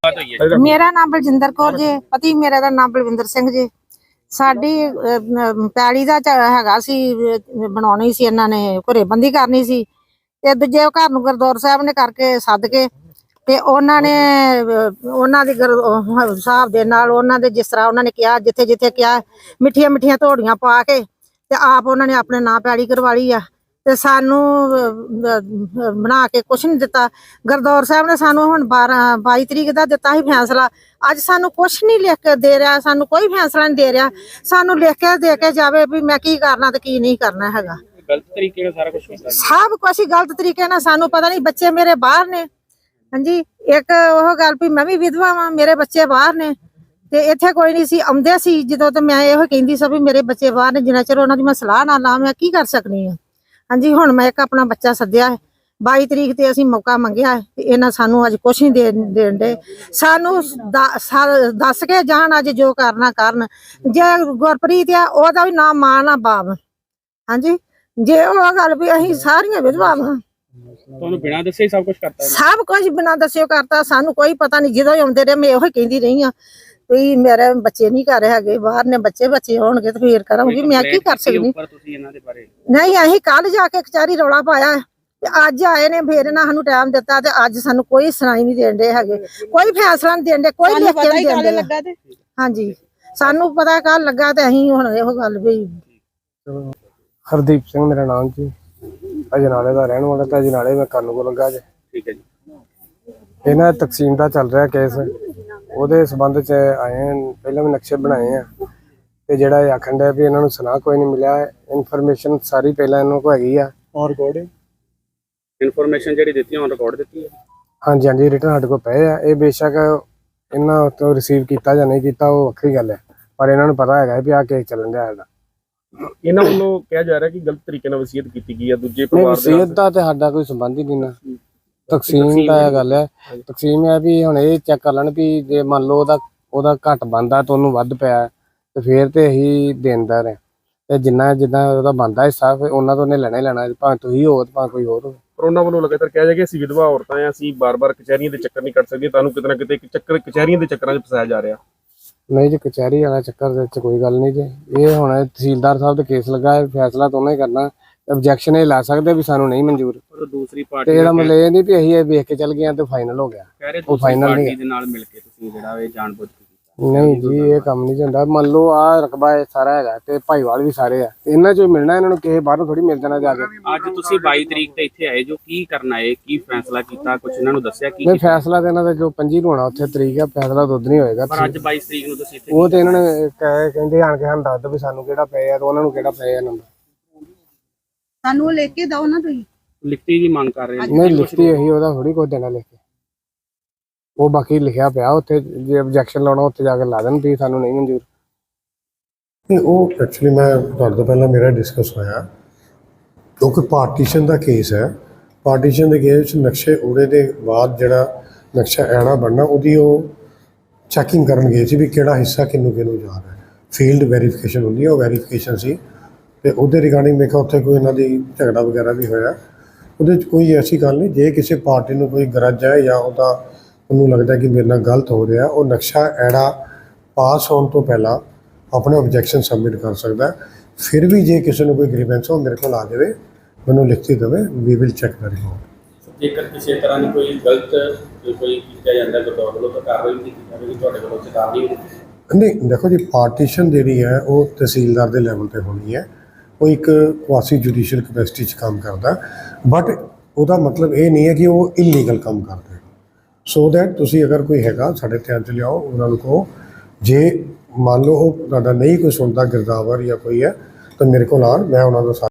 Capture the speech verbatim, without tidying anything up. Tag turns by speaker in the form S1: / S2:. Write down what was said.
S1: मेरा नाम बलजिंदर कौर जी, पति मेरे का नाम बलविंदर सिंह जी। साडी पैली दा हैगा सी बनाउणी सी, इन्हां ने घरेबंदी करनी सी ते दूजे घर नूं गुरद्वारा साहब ने करके सद के ते उन्हां ने उन्हां दी हिसाब दे नाल उन्हां दे जिस तरह उन्हां ने कहा जिथे जिथे कहा मिठियां मिठियां धोड़ियां पा के ते आप उन्हां ने अपने नां पैली करवा ली आ ते सानू बना के कुछ नहीं दिता। गुरद्वारा साहब ने सानू हुण बारह बाई तरीक का दिता ही फैसला, अज सानू कुछ नहीं लिख के दे रहा, सानू कोई फैसला नहीं दे रहा। सानू लिख के दे के जावे भी मैं की करना ते की नहीं करना हैगा।
S2: गलत तरीके नाल सारा कुछ कीता,
S1: सब कुछ ही गलत तरीके नाल। सानू पता नहीं, बच्चे मेरे बाहर ने। हाँ जी, एक ओह गल भी मैं भी विधवा वां, मेरे बच्चे बाहर ने ते इत्थे कोई नहीं सी आउंदे सी जदों, ते मैं इहो कहंदी सी भी मेरे बच्चे बाहर ने, जिन्ना चिर उन्हां दी मैं सलाह ना ला मैं की कर सकनी है। हाँ जी, हुण मैं एक अपना बच्चा सद्या है, बाई तरीक ते असीं मौका मंगिया है ते इन्हां सानू अज कुछ नहीं दे देण दे। सानू दस के जाण अज जो करना करन। जे गुरप्रीत आ ओहदा भी नाम मां ना बाप। हाँ जी, जे ओह गल भी असीं सारियां विधवा वां,
S2: तुहानू बिना दस्से ही सब कुछ करता है।
S1: सब कुछ बिना दस्सिओ करता, सानू कोई पता नहीं। जदों आउंदे रहे मैं ओही कहंदी रही हां भी मेरे बच्चे नहीं घर है, बाहर ने, बच्चे बच्चे होणगे तो फिर करांगी, मैं की कर सकदी। नहीं, असीं कल जाके कचहरी रौला पाया ते अज आए ने, फिर इन्हां सानू टाइम दिता ते अज सानू कोई सुनाई नहीं देण दे हैगे, कोई फैसला नहीं देण दे, कोई लिख के नहीं देण दे। हाँ जी, सानू पता कल लगा ते असीं हुण इहो गल भी।
S3: हरदीप सिंह मेरा नाम जी, अजनाले का रहने वाला था। अजनाले मैं कानू को लगा जी।
S2: ठीक है जी,
S3: इन्हां तकसीम का चल रहा केस, ਉਹਦੇ संबंध च आए हैं। पहले भी नक्शे बनाए हैं ते जिहड़ा ये आखण डਿਆ भी इन्होंने सुना कोई नहीं मिला, इनफॉर्मेशन सारी पहले इन्होंने को हैगी आ ऑन रिकॉर्डिंग।
S2: इनफॉर्मेशन जिहड़ी दित्ती ऑन रिकॉर्ड दित्ती है।
S3: हाँ जी, हाँ जी, रिटर्न साडे को पे आ। ये बेशक इन्हां तो रिसीव किया जां नहीं किया वो वक्री गल है, पर इन्होंने पता है भी आ केस चलन दिया है।
S2: इन्हां ਵੱਲੋਂ ਕਿਹਾ ਜਾ ਰਿਹਾ ਕਿ ਗਲਤ ਤਰੀਕੇ ਨਾਲ ਵਸੀਅਤ ਕੀਤੀ ਗਈ ਹੈ ਦੂਜੇ
S3: नहीं,
S2: ਪਰਿਵਾਰ ਦੇ
S3: वसीयत ਦਾ ਤੇ ਸਾਡਾ ਕੋਈ ਸੰਬੰਧ ਹੀ ਨਹੀਂ ਨਾ। ਤਕਸੀਮ ਦਾ ਇਹ ਗੱਲ ਹੈ, ਤਕਸੀਮ ਹੈ ਵੀ ਹੁਣ ਇਹ ਚੈੱਕ ਕਰ ਲੈਣ ਵੀ ਜੇ ਮੰਨ ਲਓ ਉਹਦਾ ਉਹਦਾ ਘੱਟ ਬਣਦਾ ਤੇ ਉਹਨੂੰ ਵੱਧ ਪਿਆ ਤੇ ਫੇਰ ਤੇ ਅਸੀਂ ਦੇਣਦਾਰ ਹੈ, ਤੇ ਜਿੰਨਾ ਜਿੱਦਾਂ ਉਹਦਾ ਬਣਦਾ ਹਿੱਸਾ ਫਿਰ ਉਹਨਾਂ ਤੋਂ ਉਹਨੇ ਲੈਣਾ ਹੀ ਲੈਣਾ, ਭਾਵੇਂ ਤੁਸੀਂ ਹੋ ਭਾਵੇਂ ਕੋਈ ਹੋਰ ਹੋ।
S2: ਪਰ ਉਹਨਾਂ ਵੱਲੋਂ ਲਗਾਤਾਰ ਕਿਹਾ ਜਾ ਕਿ ਅਸੀਂ ਵਿਧਵਾ ਔਰਤਾਂ ਆ, ਅਸੀਂ ਬਾਰ-ਬਾਰ ਕਚਹਿਰੀਆਂ ਦੇ ਚੱਕਰ ਨਹੀਂ ਕੱਟ ਸਕਦੇ, ਤੁਹਾਨੂੰ ਕਿਤੇ ਨਾ ਕਿਤੇ ਇੱਕ ਚੱਕਰ ਕਚਹਿਰੀਆਂ ਦੇ ਚੱਕਰਾਂ 'ਚ ਫਸਾਇਆ ਜਾ ਰਿਹਾ।
S3: ਨਹੀਂ ਜੀ, ਕਚਹਿਰੀ ਵਾਲਾ ਚੱਕਰ ਦੇ ਵਿੱਚ ਕੋਈ ਗੱਲ ਨਹੀਂ ਜੀ। ਇਹ ਹੁਣ ਤਹਿਸੀਲਦਾਰ ਸਾਹਿਬ ਦਾ ਕੇਸ ਲੱਗਾ ਹੈ, ਫੈਸਲਾ ਤਾਂ ਉਹਨੇ ਹੀ ਕਰਨਾ। ऑब्जेक्शन ये ला सकते भी सानू नहीं मंजूर,
S2: दूसरी पार्टी
S3: ਇਹਦਾ ਮਤਲਬ ਇਹ ਨਹੀਂ ਵੀ ਅਸੀਂ ਇਹ ਵੇਖ ਕੇ ਚੱਲ ਗਏ ਤੇ ਫਾਈਨਲ ਹੋ ਗਿਆ। ਉਹ ਫਾਈਨਲ ਨਹੀਂ
S2: ਦੇ ਨਾਲ ਮਿਲ ਕੇ ਤੁਸੀਂ ਜਿਹੜਾ ਇਹ ਜਾਣਬੁੱਝ ਕੇ
S3: ਨਹੀਂ ਜੀ, ਇਹ ਕੰਮ ਨਹੀਂ ਹੁੰਦਾ। ਮੰਨ ਲਓ ਆ ਰਕਬਾ ਇਹ ਸਾਰਾ ਹੈਗਾ ਤੇ ਭਾਈਵਾਲ ਵੀ ਸਾਰੇ ਆ, ਇਹਨਾਂ ਚੋਂ ਮਿਲਣਾ, ਇਹਨਾਂ ਨੂੰ ਕਿਸੇ ਬਾਹਰੋਂ ਥੋੜੀ ਮਿਲ ਜਾਣਾ ਜਾ ਕੇ।
S2: ਅੱਜ ਤੁਸੀਂ ਬਾਈ ਤਰੀਕ ਤੇ ਇੱਥੇ ਆਏ ਜੋ, ਕੀ ਕਰਨਾ ਹੈ, ਕੀ ਫੈਸਲਾ ਕੀਤਾ, ਕੁਝ ਇਹਨਾਂ ਨੂੰ ਦੱਸਿਆ ਕੀ?
S3: ਨਹੀਂ, ਫੈਸਲਾ ਤੇ ਇਹਨਾਂ ਦਾ ਜੋ ਪੰਜੀ ਨੂੰ ਹੋਣਾ ਉੱਥੇ ਤਰੀਕ ਆ, ਫੈਸਲਾ ਤਾਂ ਉਦੋਂ ਨਹੀਂ ਹੋਏਗਾ।
S2: ਪਰ ਅੱਜ ਬਾਈ ਤਰੀਕ ਨੂੰ ਤੁਸੀਂ ਇੱਥੇ,
S3: ਉਹ ਤੇ ਇਹਨਾਂ ਨੇ ਕਹੇ ਕਹਿੰਦੇ ਆਣ ਕੇ ਸਾਨੂੰ ਦੱਸ ਦਿਓ ਵੀ ਸਾਨੂੰ ਕਿਹੜਾ ਪਏ ਆ ਤੇ ਉਹਨਾਂ ਨੂੰ ਕਿਹੜਾ ਪਏ ਆ ਨੰਬਰ।
S1: सानू लेके दो ना, तुसीं
S2: लिखती की मांग कर रहे हैं?
S3: नहीं, लिखती यही ਉਹਦਾ ਥੋੜੀ ਕੁਝ ਦੇਣਾ ਲਿਖ ਕੇ, ਉਹ ਬਾਕੀ ਲਿਖਿਆ ਪਿਆ ਉੱਥੇ, ਜੇ ਆਬਜੈਕਸ਼ਨ ਲਾਉਣਾ ਉੱਥੇ ਜਾ ਕੇ ਲਾ ਦੇਣ ਵੀ ਸਾਨੂੰ ਨਹੀਂ ਮਨਜ਼ੂਰ।
S4: ਨਹੀਂ, ਉਹ ਐਕਚੁਅਲੀ ਮੈਂ ਤੁਹਾਡੇ ਤੋਂ ਪਹਿਲਾਂ ਮੇਰਾ ਡਿਸਕਸ ਹੋਇਆ, ਕਿਉਂਕਿ ਪਾਰਟੀਸ਼ਨ ਦਾ ਕੇਸ ਹੈ। ਪਾਰਟੀਸ਼ਨ ਦੇ ਕੇਸ ਵਿੱਚ ਨਕਸ਼ੇ ਉੜੇ ਦੇ ਬਾਅਦ ਜਿਹੜਾ ਨਕਸ਼ਾ ਐਣਾ ਬਣਨਾ, ਉਹਦੀ ਉਹ ਚੈਕਿੰਗ ਕਰਨ ਗਏ ਸੀ ਵੀ ਕਿਹੜਾ ਹਿੱਸਾ ਕਿਹਨੂੰ ਕਿਹਨੂੰ ਜਾ ਰਿਹਾ। ਫੀਲਡ ਵੈਰੀਫਿਕੇਸ਼ਨ ਹੁੰਦੀ ਹੈ, ਉਹ ਵੈਰੀਫਿਕੇਸ਼ਨ ਸੀ ਤੇ ਉਹਦੇ ਰਿਗਾਰਡਿੰਗ ਮੈਂ ਕਿਹਾ ਉੱਥੇ ਕੋਈ ਇਹਨਾਂ ਦੀ ਝਗੜਾ ਵਗੈਰਾ ਵੀ ਹੋਇਆ। ਉਹਦੇ 'ਚ ਕੋਈ ਐਸੀ ਗੱਲ ਨਹੀਂ। ਜੇ ਕਿਸੇ ਪਾਰਟੀ ਨੂੰ ਕੋਈ ਗਰਜ ਹੈ ਜਾਂ ਉਹਦਾ ਉਹਨੂੰ ਲੱਗਦਾ ਕਿ ਮੇਰੇ ਨਾਲ ਗਲਤ ਹੋ ਰਿਹਾ, ਉਹ ਨਕਸ਼ਾ ਐੜਾ ਪਾਸ ਹੋਣ ਤੋਂ ਪਹਿਲਾਂ ਆਪਣੇ ਆਬਜੈਕਸ਼ਨ ਸਬਮਿਟ ਕਰ ਸਕਦਾ। ਫਿਰ ਵੀ ਜੇ ਕਿਸੇ ਨੂੰ ਕੋਈ ਗ੍ਰੀਵੈਂਸ ਹੋ ਮੇਰੇ ਕੋਲ ਆ ਜਾਵੇ, ਮੈਨੂੰ ਲਿਖਤੀ ਦੇਵੇ, ਵੀ ਵਿਲ ਚੈੱਕ ਦਾ ਰਿਪੋਰਟ।
S2: ਜੇਕਰ ਕਿਸੇ ਤਰ੍ਹਾਂ ਦੀ ਕੋਈ ਗਲਤ ਕੋਈ ਕੀਤਾ ਜਾਂਦਾ ਗੁਰਦੁਆਰਾ ਵੱਲੋਂ ਤਾਂ ਕਾਰਵਾਈ ਨਹੀਂ ਕੀਤੀ ਜਾਵੇਗੀ, ਤੁਹਾਡੇ ਵੱਲੋਂ ਚੇਤਾਵਨੀ ਹੋਊਗੀ?
S4: ਨਹੀਂ, ਦੇਖੋ ਜੀ, ਪਾਰਟੀਸ਼ਨ ਜਿਹੜੀ ਹੈ ਉਹ ਤਹਿਸੀਲਦਾਰ ਦੇ ਲੈਵਲ 'ਤੇ ਹੋਣੀ ਹੈ। ਉਹ ਇੱਕ ਕੁਆਸੀ ਜੁਡੀਸ਼ੀਅਲ ਕਪੈਸਿਟੀ 'ਚ ਕੰਮ ਕਰਦਾ, ਬਟ ਉਹਦਾ ਮਤਲਬ ਇਹ ਨਹੀਂ ਹੈ ਕਿ ਉਹ ਇਲੀਗਲ ਕੰਮ ਕਰਦਾ। ਸੋ ਦੈਟ ਤੁਸੀਂ ਅਗਰ ਕੋਈ ਹੈਗਾ ਸਾਡੇ ਧਿਆਨ 'ਚ ਲਿਆਓ, ਉਹਨਾਂ ਨੂੰ ਕਹੋ। ਜੇ ਮੰਨ ਲਓ ਉਹ ਤੁਹਾਡਾ ਨਹੀਂ ਕੋਈ ਸੁਣਦਾ ਗਿਰਦਾਵਰ ਜਾਂ ਕੋਈ ਹੈ ਤਾਂ ਮੇਰੇ ਕੋਲ ਆਉਣ, ਮੈਂ ਉਹਨਾਂ ਦਾ